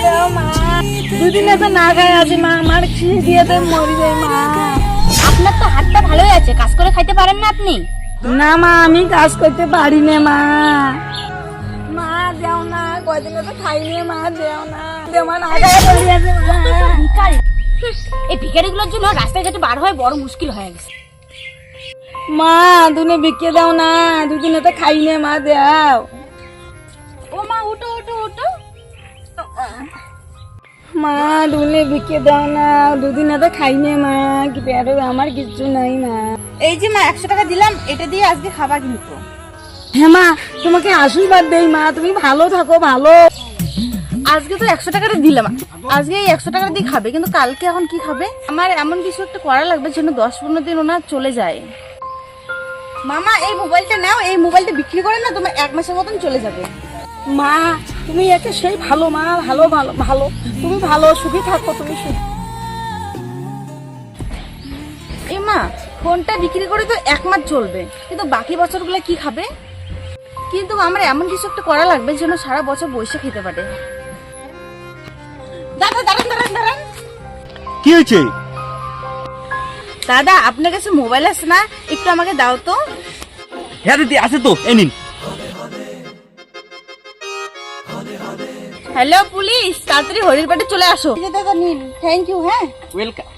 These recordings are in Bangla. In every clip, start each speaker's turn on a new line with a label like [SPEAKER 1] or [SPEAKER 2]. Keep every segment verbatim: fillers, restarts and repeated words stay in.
[SPEAKER 1] দাও মা, দুদিনে তো না খাই আছি মা, আমার খিদে দিয়ে তো মরি যাই মা।
[SPEAKER 2] আপনার তো হাতটা ভালোই আছে, কাজ করে খাইতে পারেন না আপনি?
[SPEAKER 1] না মা, আমি কাজ করতে পারি না মা। মা দেও না, কয়দিনে তো খাইনি মা, দেও না, দেও মা, না খাই পড়ে আছে মা।
[SPEAKER 2] ভিখারি, এই ভিখারিগুলোর জন্য রাস্তায় ঘাটে বার হয় বড় মুশকিল হয়ে গেছে।
[SPEAKER 1] মা তুমি বিকে দাও না, দুদিনে তো খাই নে মা, দেও।
[SPEAKER 2] ও মা উঠো উঠো উঠো।
[SPEAKER 1] মা দুনে বিকে দাও না, দুদিনে তো খাই নে মা, কি পেটে আমার কিচ্ছু নাই মা।
[SPEAKER 2] এই যে মা একশো টাকা দিলাম, এটা দিয়ে আজকে খাবার কিন্তু।
[SPEAKER 1] হ্যাঁ মা, তোমাকে আশীর্বাদ দেই মা, তুমি ভালো থাকো, ভালো।
[SPEAKER 2] আজকে তো একশো টাকাটা দিলাম, আজকে এই একশো টাকা দিয়ে খাবে, কিন্তু কালকে এখন কি খাবে? আমার এমন কিছু একটা করা লাগবে যেন দশ পনেরো দিন ওনার চলে যায়। মামা এই মোবাইলটা নাও, এই মোবাইলটা বিক্রি করে না তোমার এক মাসের মতন চলে যাবে।
[SPEAKER 1] মা তুমি একে সেই ভালো মা, ভালো ভালো ভালো, তুমি ভালো, সুখী থাকো তুমি, সুখী।
[SPEAKER 2] এ মা ফোনটা বিক্রি করে তো এক মাস চলবে, কিন্তু বাকি বছরগুলো কি খাবে? কিন্তু আমার এমন কিছু একটা করা লাগবে যেন সারা বছর বসে খেতে পারে। দাদা দাঁড়ান দাঁড়ান দাঁড়ান।
[SPEAKER 3] কি হয়েছে?
[SPEAKER 2] দাদা আপনার কাছে মোবাইল আছে না, একটু আমাকে দাও তো।
[SPEAKER 3] হ্যাঁ দিদি আছে তো, এই নিন।
[SPEAKER 2] হ্যালো পুলিশ, তাড়াতাড়ি হরিরপাটে চলে আসো। দাদা নিন, থ্যাংক ইউ। হ্যাঁ
[SPEAKER 3] ওয়েলকাম।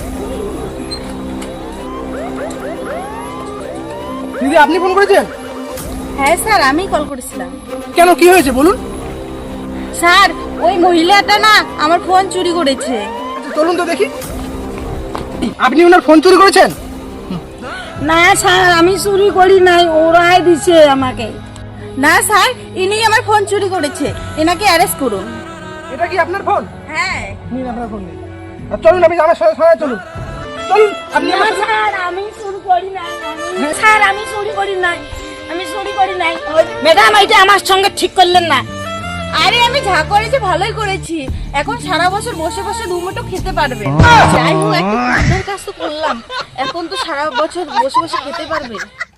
[SPEAKER 3] দিদি আপনি ফোন করেছেন?
[SPEAKER 2] হ্যাঁ স্যার, আমি কল করেছিলাম।
[SPEAKER 3] কেন, কি হয়েছে বলুন?
[SPEAKER 2] স্যার ওই মহিলাটা না আমার ফোন চুরি করেছে।
[SPEAKER 3] চলুন তো দেখি। আপনি ওনার ফোন চুরি করেছেন?
[SPEAKER 1] না স্যার, আমি চুরি করি নাই, ওরাই দিছে আমাকে।
[SPEAKER 2] না স্যার, ইনি আমার ফোন চুরি করেছে, এনাকে অ্যারেস্ট করুন।
[SPEAKER 3] এটা কি আপনার ফোন?
[SPEAKER 2] হ্যাঁ
[SPEAKER 3] নিন আপনার ফোন নিন। আর চলুন, আপনি আমার সঙ্গে সঙ্গে চলুন। চলুন আপনি
[SPEAKER 1] না
[SPEAKER 3] আমার সঙ্গে-
[SPEAKER 1] স্যার, আমি চুরি করি নাই, আমি- স্যার আমি চুরি করি নাই, আমি চুরি করি নাই। ম্যাডাম এটা আমার সঙ্গে ঠিক করলেন না।
[SPEAKER 2] আরে আমি যা করেছি ভালোই করেছি, এখন সারা বছর বসে বসে দুমুঠো খেতে পারবে। যাই হোক একটা কাজ তো করলাম, এখন তো সারা বছর বসে বসে খেতে পারবে।